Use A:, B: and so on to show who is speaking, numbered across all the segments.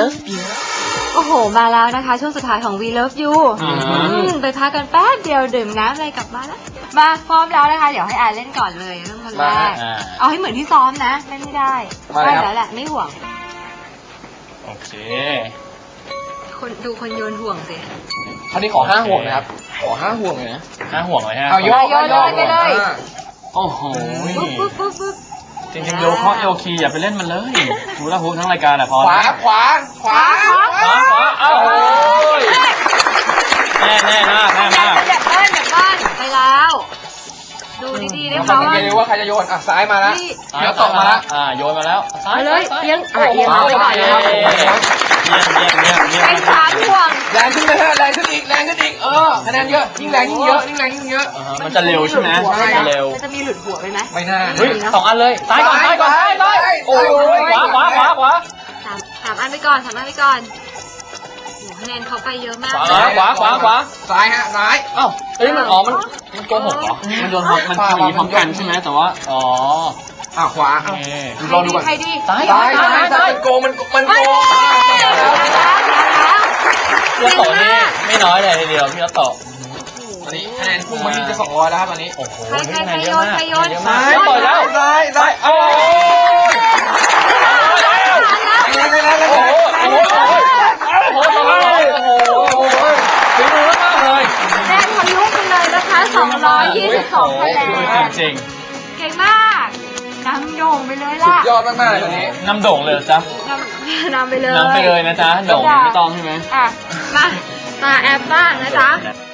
A: love you
B: โอ้โหมาแล้วนะคะช่วงสุดท้ายของ We Love You ไปพักกันแป๊บเดียวดื่มน้ำอะไรกลับมาแล้วมาพร้อมแล้วนะคะเดี๋ยวให้อาเล่นก่อนเลยเริ่มคนแรกเอาให้เหมือนที่ซ้อมนะเล่นไม่ได้ได้แล้วแหละไม่ห่วง
A: โอเค
B: คนดูคนโยนห่วงสิ
C: คราวนี้ขอ5 ห่วงนะครับขอ5 ห่วงเลยนะ
A: 5 ห่วงเลยฮะ
C: เอาโยนเลยไปเลย
A: โอ้โหจริงๆโยเคาะโยคีอย่าไปเล่นมันเลยดูแล้วฮุกทั้งรายการอ่ะพอ
C: ขวาเอ้า
A: แน่มาก
B: เด็กบ้านไปแล้วดูดีๆได้เพราะว่า
C: ว่าใครจะโยนซ้ายมาแล้วเดี๋ยวตกมาแล้ว
A: โยนมาแล้วซ้าย
B: เลยเอียงเอาไปก่อนนะครับไป3 ห่วง
C: แรงขึ้นไปแรงขึ้นอีกคะแนนเยอะยิ่งแรงยิ่งเยอะ
A: มันจะเร็วใช่ไหมเร็ว
B: จะมีหลุดหัวไปไหม
C: ไม่น่า
A: เฮ้ย2 อันเลยซ้ายก่อนโอ้ยขวา
B: 3 อันไปก่อนคะแนนเขาไปเยอะมาก
A: ขวา
C: ซ้ายฮะซ้าย
A: เอ้าเฮ้ยมันโกหกเหรอมันโดนมันคุยพร้อมกันใช่ไหมแต่ว่า
C: ขวาลองดูก่อน
B: ใครดี
C: ซ้ายมันโกมันโก
A: พี่โตนี่ไม่น้อยเลยทีเดียวพี่โต
C: ตอนนี้คะแนนพุ่งมาที่จะ200แล้วครับตอนนี้
A: โอ้โห
B: ใครโยน
A: ซ้ายต่อยแล้ว
C: ซ้ายโอ้
A: ฝีมือมากเลย
B: แนนทะลุไปเลยนะคะ222 คะแนน
A: จริง
B: เก่งมากนำโด่งไปเลยล่ะ
C: สุดยอดมากๆเลยตอนนี้
A: นำโด่งเลยจ๊ะ
B: นำไปเลย
A: นะจ๊ะโด่งไม่ต้องใช่ไหม
B: มาแอบบ้างนะจ๊ะ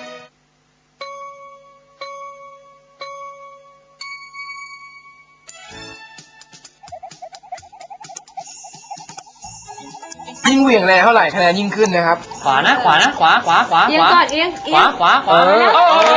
C: ยิ่งเหวี่ยงแรงเท่าไหร่คะแนนยิ่งขึ้นนะครับ
A: ขวาขวา
B: เอียงก่อน
A: ขวา
B: ต่อเลย
C: โอ้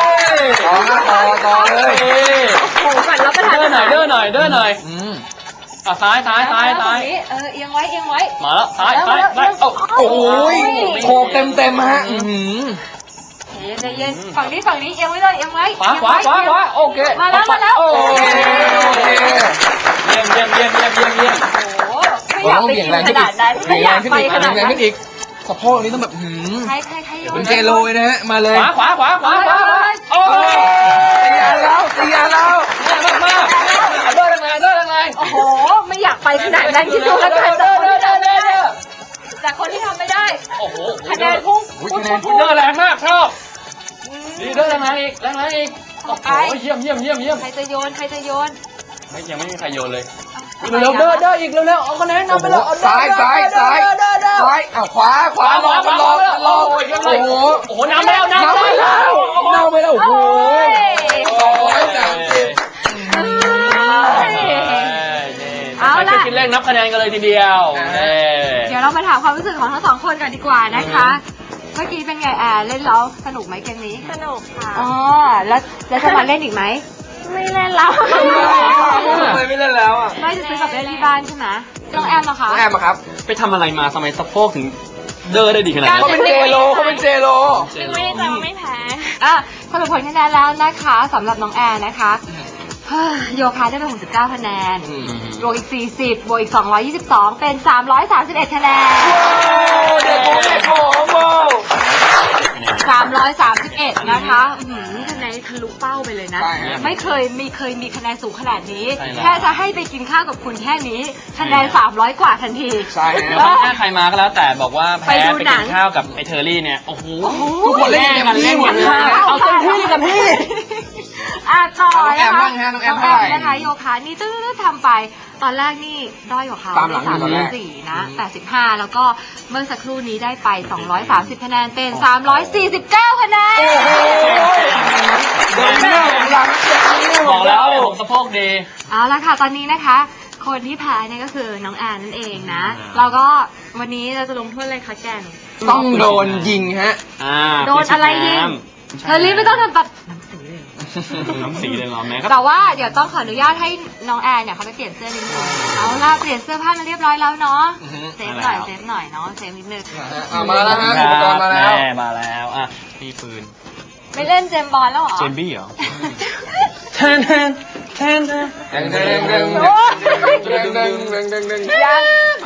B: โหก่อนรับประทาน
A: เดินหน่อยซ้าย
B: เอียงไว้
A: มาแล้วซ้าย
C: โอ้ยโขกเต็มฮะ
B: ใจเย็นฝั่งนี้เอียงไว้เลย
A: ขวาโอเค
B: มาแล้ว
C: โอเค
A: เยี่ยม
B: โอ้ไม่อยากไปกินขนาดนั้นไม่อยากไปขนาดนั้น
C: อีกสะโพกนี้ต้องแบบ
B: ใคร
C: เป็นเจโรเลยนะฮะมาเลย
A: ขวา
C: โอ้ตีแล้ว
A: มากเดินแรง
B: โอ้โหไม่อยากไปขนาดนั้นคิดดูแล้วกันจากคนที่ทำไม่ได้
A: โอ้โห
B: คะแนนพุ่ง
A: เดินแรงมากชอบดีเดินแรงอีกโอ้โหเยี่ยม
B: ใครจะโยน
A: ยังไม่มีใครโยนเลย
C: เร็วเดินอีกเร็วเอาคะแนนนำไปเลยซ้ายขวารอโอ้โห
A: น้ำไปแล้ว
C: โอ้โห
B: เอาล่ะ
A: คิดเลขนับคะแนนกันเลยทีเดียว
B: เดี๋ยวเรามาถามความรู้สึกของทั้ง2 คนกันดีกว่านะคะเมื่อกี้เป็นไงเล่นแล้วสนุกไหมเกมนี้
D: สนุกค่ะ
B: แล้วจะมาเล่นอีกไหม
D: ไม่เล่นแล้ว
C: ไม่เล่นแล้ว
B: ไม่จะซื้อกลับไปเล่นที่บ้านใช่ไหมน้องแอมเหรอคะ
C: น้องแอมครับ
A: ไปทำอะไรมาทำไมสะโพกถึงเดินได้ดีขนาดนี้
C: เขาเป็นเจโร
D: ไม่ได้แต่ว่าไม่แพ้
B: สรุปผลคะแนนแล้วนะคะสำหรับน้องแอมนะคะโยคะได้ไป69 คะแนนบวกอีก40บวกอีก222เป็น331 คะแนน
C: เด็ก
B: 331นะคะนี่คะแนนทะลุเป้าไปเลยนะไม่เคยมีคะแนนสูงขนาดนี้แค่จะให้ไปกินข้าวกับคุณแค่นี้คะแนน300 กว่าทันที
C: ใช่
A: แล้วถ้าใครมาก็แล้วแต่บอกว่าแพ้ไปกินข้าวกับไอเทอร์รี่เนี่ยโอ้โห
C: ทุกคนเล่นกัน
B: เอาเต็มที่กับพี่ต่อนะคะ
C: น้องแอม
B: นะคะโยคะนี่ทำไปตอนแรกนี่ด้อยกว่าเขา34นะ85แล้วก็เมื่อสักครู่นี้ได้ไป230 คะแนนเป็น349 คะแนน
A: บอกแล้วผมสะโพกดี
B: เอาละค่ะตอนนี้นะคะคนที่แพ้เนี่ยก็คือน้องแอนนั่นเองนะเราก็วันนี้เราจะลงโทษอะไรคะแกน
C: ต้องโดนยิงฮะ
B: โดนอะไรยิงเธอรีบไม่ต้องทำตัด
A: น้ำสีเลยเหรอแม่
B: แต่ว่าเดี๋ยวต้องขออนุญาตให้น้องแอนเนี่ยเขาไปเปลี่ยนเสื้อนิดนึงเอาล่ะเปลี่ยนเสื้อผ้ามาเรียบร้อยแล้วเนาะเซฟหน่อยเนาะเซฟนิดนึง
C: มาแล้วฮะอุปกรณ์มา
A: แล้วมีปืน
B: ไม่เล่นเจมบอลแล้วเหรอ
A: เจมบี้เหรอแทน
B: ยัง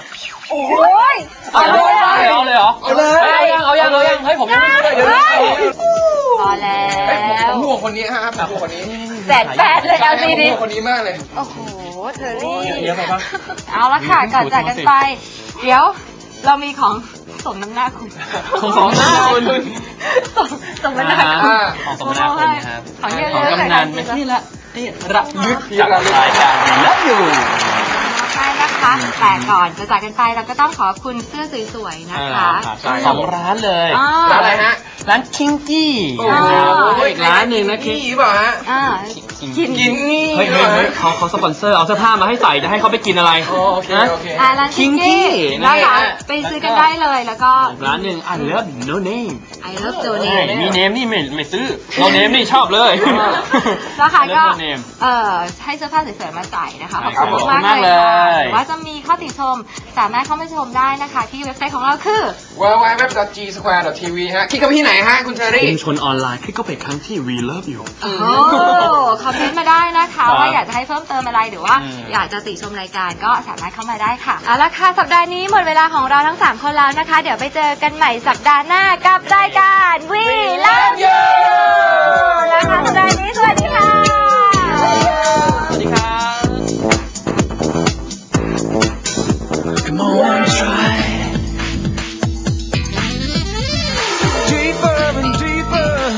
B: โอ้ย
A: เอาเลยเหรอ
C: เอาเลย
A: เอายังเฮ้ยผมยังไม่ได้เดี๋ยว
B: พอแล้ว
C: ผมห่วงคนนี้ฮะผมห่วงคนนี้
B: แปดเลยเอาซีดี
C: ผมห่วงคนนี้มากเลย
B: โอ้โหเธอรี่
A: เยอะไปปะ
B: เอาละค่ะก่อนจากกันไป เดี๋ยวเรามีของสมน้ำหน้าคุณ
A: ของหน้าคุณ
B: สมน้ำหน้าคุณ
A: ของสมนาคุณนะครับ
B: ของเยอะ
A: ของ
B: ๆ
A: กำนันเป็นที่ละที่ระลึกจากรายการวีลับยู
B: ใช่นะคะแต่ก่อนจะจากกันไปเราก็ต้องขอบคุณเสื้อสวยๆนะคะ
A: สองร้านเลย
C: ร้านอะไรฮะ
A: ร้านคิงกี้
C: โอ้โห
A: อีกร้านหนึ่งนะคิง
C: นี่เปล่าฮะ
B: กิน
C: กินนี่
A: เฮ้ยเขาสปอนเซอร์เอาเสื้อผ้ามาให้ใส่จะให้เขาไปกินอะไร
C: โอเค
B: ร้านคิงกี้นะคะไปซื้อกันได้เลยแล้วก็
A: ร้านหนึ่งI love no name
B: I love d o n
A: มีเนมนี่ไม่ซื้อ no name นี่ชอบเลย
B: นะคะก็
A: I love no name
B: ให้เสื้อผ้าสวยๆมาใส่นะคะ
A: ครั
B: ขอ
A: บบ
B: คุณ
A: ขอบคุณาก ก
B: มามเล
A: เลย ย
B: หรือว่าจะมีข้อติชมสามารถเข้ามาชมได้นะคะที่เว็บไซต์ของเราคือ
C: www.gsquare.tv ฮะคลิกเข้าไปที่ไหนฮะคุณเชอรี่
A: ชุมชนออนไลน์คลิกเข้าไปครั้งที่ We Love You
B: โอ้คอมเมนต์มาได้นะคะว่าอยากจะให้เพิ่มเติมอะไรหรือว่าอยากจะติชมรายการก็สามารถเข้ามาได้ค่ะเอาละค่ะสัปดาห์นี้หมดเวลาของเราทั้ง3คนแล้วนะคะเดี๋ยวไปเจอกันใหม่สัปดาห์หน้ากับรายการ We Love You นะคะสัปดาห์นี้สวัสดีค่ะ